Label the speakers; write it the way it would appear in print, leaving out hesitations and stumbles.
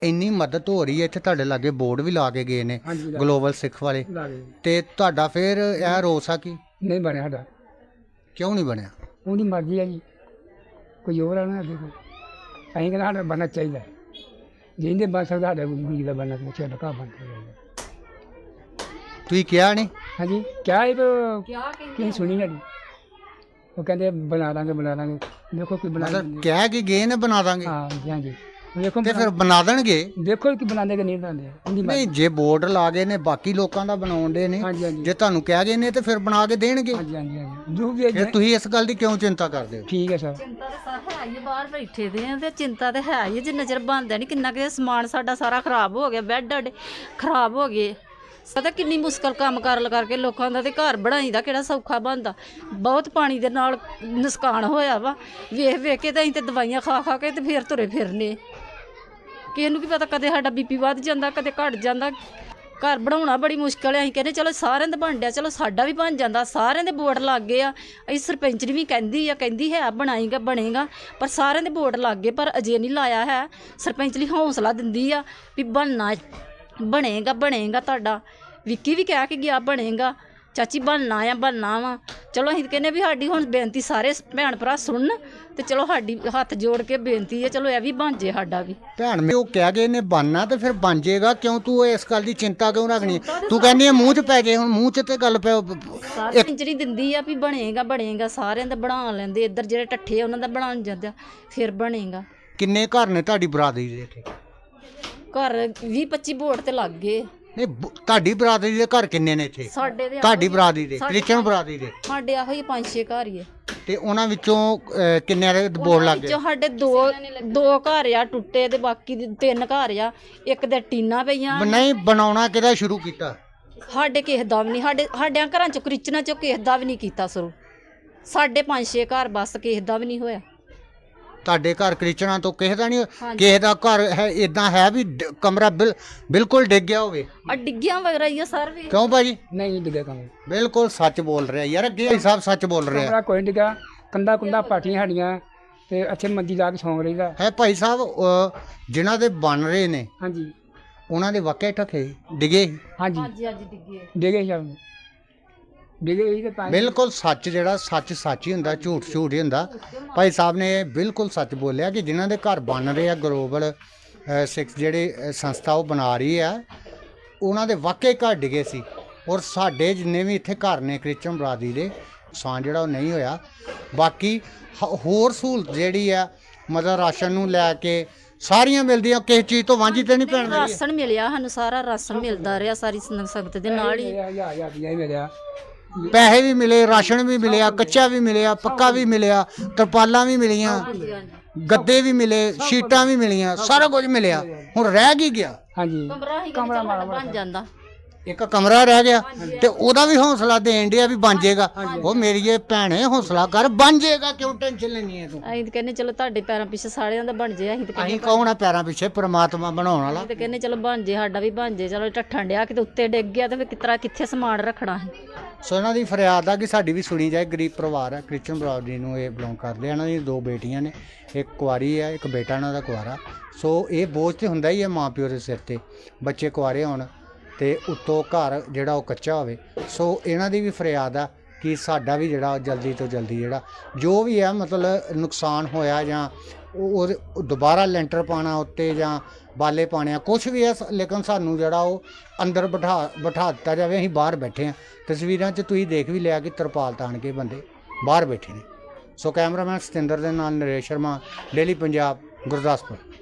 Speaker 1: ਇੰਨੀ ਮਦਦ ਹੋ ਰਹੀ ਹੈ ਇੱਥੇ ਤੁਹਾਡੇ ਲਾਗੇ ਬੋਰਡ ਵੀ ਲਾ ਕੇ ਗਏ ਨੇ ਗਲੋਬਲ ਸਿੱਖ ਵਾਲੇ ਤੇ ਤੁਹਾਡਾ ਫਿਰ ਇਹ ਰੋਸ ਆ ਕਿ
Speaker 2: ਨਹੀਂ ਬਣਿਆ ਸਾਡਾ।
Speaker 1: ਕਿਉਂ ਨਹੀਂ ਬਣਿਆ?
Speaker 2: ਉਹਦੀ ਮਰਜ਼ੀ ਹੈ ਜੀ, ਕੋਈ ਹੋਰ ਆ ਨਾ ਦੇਖੋ। ਅਸੀਂ ਕਹਿੰਦਾ ਸਾਡਾ ਬਣਨਾ ਚਾਹੀਦਾ, ਜਿੰਦੇ ਬਣ ਸਕਦਾ ਸਾਡਾ ਗੁਰੂ ਦਾ ਬਣਨਾ ਚਾਹੀਦਾ, ਢਕਾ ਬਣ ਸਕਦਾ।
Speaker 1: ਤੁਸੀਂ ਕਿਹਾ ਨਹੀਂ?
Speaker 2: ਹਾਂਜੀ ਕਿਹਾ ਇਹ ਕੀ ਸੁਣੀ ਸਾਡੀ। ਉਹ ਕਹਿੰਦੇ ਬਣਾ ਦਾਂਗੇ ਦੇਖੋ ਕੋਈ ਬਣਾ
Speaker 1: ਮਤਲਬ ਕਹਿ ਕੇ ਗਏ ਨੇ ਬਣਾ ਦਾਂਗੇ।
Speaker 2: ਹਾਂ ਹਾਂਜੀ ਦੇਖੋ
Speaker 1: ਤੇ ਫਿਰ ਬਣਾ ਦੇਣਗੇ।
Speaker 2: ਦੇਖੋ ਕਿ ਬਣਾਉਂਦੇ ਕਿ ਨਹੀਂ ਬਣਾਉਂਦੇ।
Speaker 1: ਨਹੀਂ ਜੇ ਬੋਰਡ ਲਾ ਗਏ ਨੇ ਬਾਕੀ ਲੋਕਾਂ ਦਾ ਬਣਾਉਂਦੇ ਨੇ,
Speaker 2: ਹਾਂਜੀ ਹਾਂਜੀ
Speaker 1: ਜੇ ਤੁਹਾਨੂੰ ਕਹਿ ਗਏ ਨੇ ਤੇ ਫਿਰ ਬਣਾ ਕੇ ਦੇਣਗੇ।
Speaker 2: ਹਾਂਜੀ ਹਾਂਜੀ ਜੋ ਵੀ
Speaker 1: ਫਿਰ ਤੁਸੀਂ ਇਸ ਗੱਲ ਦੀ ਕਿਉਂ ਚਿੰਤਾ ਕਰਦੇ ਹੋ?
Speaker 2: ਠੀਕ ਹੈ ਸਰ।
Speaker 3: ਚਿੰਤਾ ਤਾਂ ਸਰ ਹੈ ਹੀ ਆ, ਬਾਹਰ ਬੈਠੇ ਦੇ ਆ ਤੇ ਚਿੰਤਾ ਤਾਂ ਹੈ ਹੀ ਆ। ਜਿੰਨਾ ਚਿਰ ਬਣਦਾ ਨਹੀਂ, ਕਿੰਨਾ ਕਿ ਸਮਾਨ ਸਾਡਾ ਸਾਰਾ ਖਰਾਬ ਹੋ ਗਿਆ, ਬੈੱਡ ਸਾਡੇ ਖਰਾਬ ਹੋ ਗਏ। ਪਤਾ ਕਿੰਨੀ ਮੁਸ਼ਕਲ ਕੰਮ ਕਰਕੇ ਲੋਕਾਂ ਦਾ ਤੇ ਘਰ ਬਣਾਈਦਾ ਕਿਹੜਾ ਸੌਖਾ ਬਣਦਾ। ਬਹੁਤ ਪਾਣੀ ਦੇ ਨਾਲ ਨੁਕਸਾਨ ਹੋਇਆ ਵਾ, ਵੇਖ ਕੇ ਤਾਂ ਅਸੀਂ ਤੇ ਦਵਾਈਆਂ ਖਾ ਕੇ ਤੇ ਫਿਰ ਤੁਰੇ ਫਿਰਨੇ। ਕਿਸੇ ਨੂੰ ਕੀ ਪਤਾ ਕਦੇ ਸਾਡਾ ਬੀਪੀ ਵੱਧ ਜਾਂਦਾ, ਕਦੇ ਘਟ ਜਾਂਦਾ। ਘਰ ਬਣਾਉਣਾ ਬੜੀ ਮੁਸ਼ਕਲ ਹੈ। ਅਸੀਂ ਕਹਿੰਦੇ ਚਲੋ ਸਾਰਿਆਂ ਦਾ ਬਣ ਡਿਆ, ਚਲੋ ਸਾਡਾ ਵੀ ਬਣ ਜਾਂਦਾ। ਸਾਰਿਆਂ ਦੇ ਬੋਰਡ ਲੱਗ ਗਏ ਆ। ਅਸੀਂ ਸਰਪੰਚ ਵੀ ਕਹਿੰਦੀ ਹੈ ਬਣੇਗਾ, ਪਰ ਸਾਰਿਆਂ ਦੇ ਬੋਰਡ ਲੱਗ ਗਏ ਪਰ ਅਜੇ ਨਹੀਂ ਲਾਇਆ ਹੈ। ਸਰਪੰਚ ਲਈ ਹੌਸਲਾ ਦਿੰਦੀ ਆ ਵੀ ਬਣੇਗਾ ਤੁਹਾਡਾ। ਵਿੱਕੀ ਵੀ ਕਹਿ ਕੇ ਗਿਆ ਬਣੇਗਾ, ਚਾਚੀ ਬਣਨਾ ਵਾ। ਚਲੋ ਅਸੀਂ ਕਹਿੰਦੇ ਵੀ ਸਾਡੀ ਹੁਣ ਬੇਨਤੀ ਸਾਰੇ ਭੈਣ ਭਰਾ ਸੁਣਨ ਤੇ ਚਲੋ ਸਾਡੀ ਹੱਥ ਜੋੜ ਕੇ ਬੇਨਤੀ ਹੈ, ਚਲੋ ਇਹ ਵੀ ਬਣ ਜੇ ਸਾਡਾ ਵੀ।
Speaker 1: ਭੈਣ ਉਹ ਕਹਿ ਗਏ ਨੇ ਬਣਨਾ ਤੇ ਫਿਰ ਬਣ ਜਾਏਗਾ। ਕਿਉਂ ਤੂੰ ਇਸ ਗੱਲ ਦੀ ਚਿੰਤਾ ਕਿਉਂ ਰੱਖਣੀ? ਤੂੰ ਕਹਿੰਦੀ ਹੈ ਮੂੰਹ 'ਚ ਪੈ ਗਏ, ਹੁਣ ਮੂੰਹ 'ਚ ਤੇ ਗੱਲ ਪੈ।
Speaker 3: ਸਰਪੰਚਰੀ ਦਿੰਦੀ ਆ ਵੀ ਬਣੇਗਾ ਸਾਰਿਆਂ ਦਾ ਬਣਾ ਲੈਂਦੇ। ਇੱਧਰ ਜਿਹੜੇ ਟੱਠੇ ਉਹਨਾਂ ਦਾ ਬਣਾਉਣ ਜਾਂਦਾ ਫਿਰ ਬਣੇਗਾ।
Speaker 1: ਕਿੰਨੇ ਘਰ ਨੇ ਤੁਹਾਡੀ ਬਰਾਦਰੀ ਦੇ ਇੱਥੇ?
Speaker 3: ਘਰ 20-25 ਬੋਰਡ ਤੇ ਲੱਗ ਗਏ।
Speaker 1: ਨਹੀਂ ਤੁਹਾਡੀ ਬਰਾਦਰੀ ਦੇ ਘਰ ਕਿੰਨੇ ਨੇ ਇੱਥੇ?
Speaker 3: ਸਾਡੇ ਦੇ
Speaker 1: ਤੁਹਾਡੀ ਬਰਾਦਰੀ ਦੇ, ਕ੍ਰਿਸਚਨ ਬਰਾਦਰੀ ਦੇ?
Speaker 3: ਸਾਡੇ ਆਹੋ ਹੀ 5-6 ਘਰ ਹੀ ਆ।
Speaker 1: ਤੇ ਉਹਨਾਂ ਵਿੱਚੋਂ ਕਿੰਨੇ ਦੇ ਬੋਰਡ ਲੱਗ ਗਏ?
Speaker 3: ਸਾਡੇ ਦੋ ਘਰ ਆ ਟੁੱਟੇ ਤੇ ਬਾਕੀ ਦੇ 3 ਘਰ ਆ। ਇੱਕ ਦੇ ਟੀਨਾਂ ਪਈਆਂ।
Speaker 1: ਨਹੀਂ ਬਣਾਉਣਾ ਕਿਹਦਾ ਸ਼ੁਰੂ ਕੀਤਾ?
Speaker 3: ਸਾਡੇ ਕਿਸੇ ਦਾ ਵੀ ਨਹੀਂ, ਸਾਡਿਆਂ ਘਰਾਂ ਚੋਂ ਕ੍ਰਿਸਚਨਾਂ ਚੋਂ ਕਿਸੇ ਦਾ ਵੀ ਨਹੀਂ ਕੀਤਾ ਸ਼ੁਰੂ। ਸਾਡੇ 5-6 ਘਰ ਬਸ ਕਿਸੇ ਦਾ ਵੀ ਨਹੀਂ ਹੋਇਆ।
Speaker 1: ਤੁਹਾਡੇ ਘਰ ਕ੍ਰਿਸਚਨਾਂ ਤੋਂ ਕਿਸੇ ਦਾ ਨਹੀਂ? ਕਿਸੇ ਦਾ ਘਰ ਹੈ ਇਦਾਂ ਹੈ ਵੀ ਕਮਰਾ ਬਿਲਕੁਲ ਡਿੱਗ ਗਿਆ ਹੋਵੇ?
Speaker 3: ਆ ਡਿੱਗਿਆ ਵਗੈਰਾ ਹੀ ਆ ਸਰ ਵੀ।
Speaker 1: ਕਿਉਂ ਭਾਜੀ?
Speaker 2: ਨਹੀਂ ਡਿੱਗਾ ਕੰਮ
Speaker 1: ਬਿਲਕੁਲ ਸੱਚ ਬੋਲ ਰਿਹਾ ਯਾਰ, ਅੱਗੇ ਭਾਈ ਸਾਹਿਬ ਸੱਚ ਬੋਲ ਰਿਹਾ
Speaker 2: ਕਮਰਾ ਕੋਈ ਡਿੱਗਾ। ਕੰਧਾਂ ਪਾਟੀਆਂ ਸਾਡੀਆਂ ਤੇ ਅੱਛੇ ਮੰਜੀ ਲਾ ਕੇ ਸੌਂ ਰਹੀਦਾ
Speaker 1: ਹੈ। ਭਾਈ ਸਾਹਿਬ ਜਿਨ੍ਹਾਂ ਦੇ ਬਣ ਰਹੇ ਨੇ
Speaker 2: ਹਾਂਜੀ
Speaker 1: ਉਹਨਾਂ ਦੇ ਵਾਕਿਆ ਠੱਕੇ ਡਿੱਗੇ?
Speaker 2: ਹਾਂਜੀ ਡਿੱਗੇ ਸ਼ਾਮ ਡਿੱਗੇ ਹੀ ਤਾਂ
Speaker 1: ਬਿਲਕੁਲ ਸੱਚ, ਜਿਹੜਾ ਸੱਚ ਹੀ ਹੁੰਦਾ, ਝੂਠ ਹੀ ਹੁੰਦਾ। ਭਾਈ ਸਾਹਿਬ ਨੇ ਬਿਲਕੁਲ ਸੱਚ ਬੋਲਿਆ ਕਿ ਜਿਨ੍ਹਾਂ ਦੇ ਘਰ ਬਣ ਰਹੇ ਆ ਗਲੋਬਲ ਸਿੱਖ ਜਿਹੜੇ ਸੰਸਥਾ ਉਹ ਬਣਾ ਰਹੀ ਆ, ਉਹਨਾਂ ਦੇ ਵਾਕਿਆ ਘਰ ਡਿੱਗੇ ਸੀ। ਔਰ ਸਾਡੇ ਜਿੰਨੇ ਵੀ ਇੱਥੇ ਘਰ ਨੇ ਕ੍ਰਿਸਚਨ ਬਰਾਦਰੀ ਦੇ, ਨੁਕਸਾਨ ਜਿਹੜਾ ਉਹ ਨਹੀਂ ਹੋਇਆ। ਬਾਕੀ ਹੋਰ ਸਹੂਲਤ ਜਿਹੜੀ ਆ ਮਤਲਬ ਰਾਸ਼ਨ ਨੂੰ ਲੈ ਕੇ ਸਾਰੀਆਂ ਮਿਲਦੀਆਂ, ਕਿਸੇ ਚੀਜ਼ ਤੋਂ ਵਾਂਝੀ ਤੇ ਨਹੀਂ ਪੈਣ ਰਹੀ।
Speaker 3: ਰਾਸ਼ਨ ਮਿਲਿਆ ਸਾਨੂੰ, ਸਾਰਾ ਰਾਸ਼ਨ ਮਿਲਦਾ ਰਿਹਾ ਸਾਰੀ ਸੰਗਤ ਦੇ ਨਾਲ ਹੀ।
Speaker 2: ਮਿਲਿਆ
Speaker 1: ਪੈਸੇ ਵੀ ਮਿਲੇ, ਰਾਸ਼ਨ ਵੀ ਮਿਲਿਆ, ਕੱਚਾ ਵੀ ਮਿਲਿਆ, ਪੱਕਾ ਵੀ ਮਿਲਿਆ, ਤਰਪਾਲਾਂ ਵੀ ਮਿਲੀਆਂ, ਗੱਦੇ ਵੀ ਮਿਲੇ, ਸ਼ੀਟਾਂ ਵੀ ਮਿਲੀਆਂ, ਸਾਰਾ ਕੁਝ ਮਿਲਿਆ। ਹੁਣ ਰਹਿ ਕੀ ਗਿਆ?
Speaker 2: ਹਾਂਜੀ
Speaker 3: ਕਮਰਾ ਬਣ ਜਾਂਦਾ।
Speaker 1: ਇੱਕ ਕਮਰਾ ਰਹਿ ਗਿਆ ਤੇ ਉਹਦਾ ਵੀ ਹੌਸਲਾ ਦੇਣ ਡਿਆ ਵੀ ਬਣ ਜਾਏਗਾ। ਉਹ ਮੇਰੀਏ ਭੈਣੇ ਹੌਸਲਾ ਕਰ, ਬਣ ਜਾਏਗਾ, ਕਿਉਂ ਟੈਨਸ਼ਨ ਲੈਣੀ ਹੈ ਤੂੰ?
Speaker 3: ਅਸੀਂ ਤਾਂ ਕਹਿੰਦੇ ਚਲੋ ਤੁਹਾਡੇ ਪੈਰਾਂ ਪਿੱਛੇ ਸਾਰਿਆਂ ਦਾ ਬਣ ਜੇ।
Speaker 1: ਅਸੀਂ ਕੌਣ ਆ ਪੈਰਾਂ ਪਿੱਛੇ? ਪ੍ਰਮਾਤਮਾ ਬਣਾਉਣ ਵਾਲਾ।
Speaker 3: ਤੇ ਕਹਿੰਦੇ ਚਲੋ ਬਣ ਜੇ, ਸਾਡਾ ਵੀ ਬਣ ਜੇ। ਚਲੋ ਢੱਠਣ ਡਿਆ ਕਿਤੇ ਉੱਤੇ ਡਿੱਗ ਗਿਆ ਤੇ ਫਿਰ ਕਿੱਥੇ ਸਮਾਨ ਰੱਖਣਾ ਹੈ।
Speaker 1: ਸੋ ਇਹਨਾਂ ਦੀ ਫਰਿਆਦ ਆ ਕਿ ਸਾਡੀ ਵੀ ਸੁਣੀ ਜਾਏ। ਗਰੀਬ ਪਰਿਵਾਰ ਹੈ, ਕ੍ਰਿਸਚਨ ਬਰਾਦਰੀ ਨੂੰ ਇਹ ਬਿਲੋਂਗ ਕਰਦੇ ਆ। ਇਹਨਾਂ ਦੀਆਂ 2 ਬੇਟੀਆਂ ਨੇ, ਇੱਕ ਕੁਆਰੀ ਹੈ, ਇੱਕ ਬੇਟਾ ਇਹਨਾਂ ਦਾ ਕੁਆਰਾ। ਸੋ ਇਹ ਬੋਝ ਤੇ ਹੁੰਦਾ ਹੀ ਹੈ ਮਾਂ ਪਿਓ ਦੇ ਸਿਰ ਤੇ, ਬੱਚੇ ਕੁਆਰੇ ਹੋਣ ਤੇ ਉੱਤੋਂ ਘਰ ਜਿਹੜਾ ਉਹ ਕੱਚਾ ਹੋਵੇ। ਸੋ ਇਹਨਾਂ ਦੀ ਵੀ ਫਰਿਆਦ ਆ ਕਿ ਸਾਡਾ ਵੀ ਜਿਹੜਾ ਜਲਦੀ ਤੋਂ ਜਲਦੀ ਜਿਹੜਾ ਜੋ ਵੀ ਹੈ ਮਤਲਬ ਨੁਕਸਾਨ ਹੋਇਆ ਜਾਂ ਉਹ ਦੁਬਾਰਾ ਲੈਂਟਰ ਪਾਉਣਾ ਉੱਤੇ ਜਾਂ ਬਾਲੇ ਪਾਉਣੇ ਆ, ਕੁਛ ਵੀ ਹੈ, ਲੇਕਿਨ ਸਾਨੂੰ ਜਿਹੜਾ ਉਹ ਅੰਦਰ ਬਿਠਾ ਦਿੱਤਾ ਜਾਵੇ। ਅਸੀਂ ਬਾਹਰ ਬੈਠੇ ਹਾਂ, ਤਸਵੀਰਾਂ 'ਚ ਤੁਸੀਂ ਦੇਖ ਵੀ ਲਿਆ ਕਿ ਤਰਪਾਲ ਤਾਣ ਕੇ ਬੰਦੇ ਬਾਹਰ ਬੈਠੇ ਨੇ। ਸੋ ਕੈਮਰਾਮੈਨ ਸਤਿੰਦਰ ਦੇ ਨਾਲ ਨਰੇਸ਼ ਸ਼ਰਮਾ, ਡੇਲੀ ਪੰਜਾਬ, ਗੁਰਦਾਸਪੁਰ।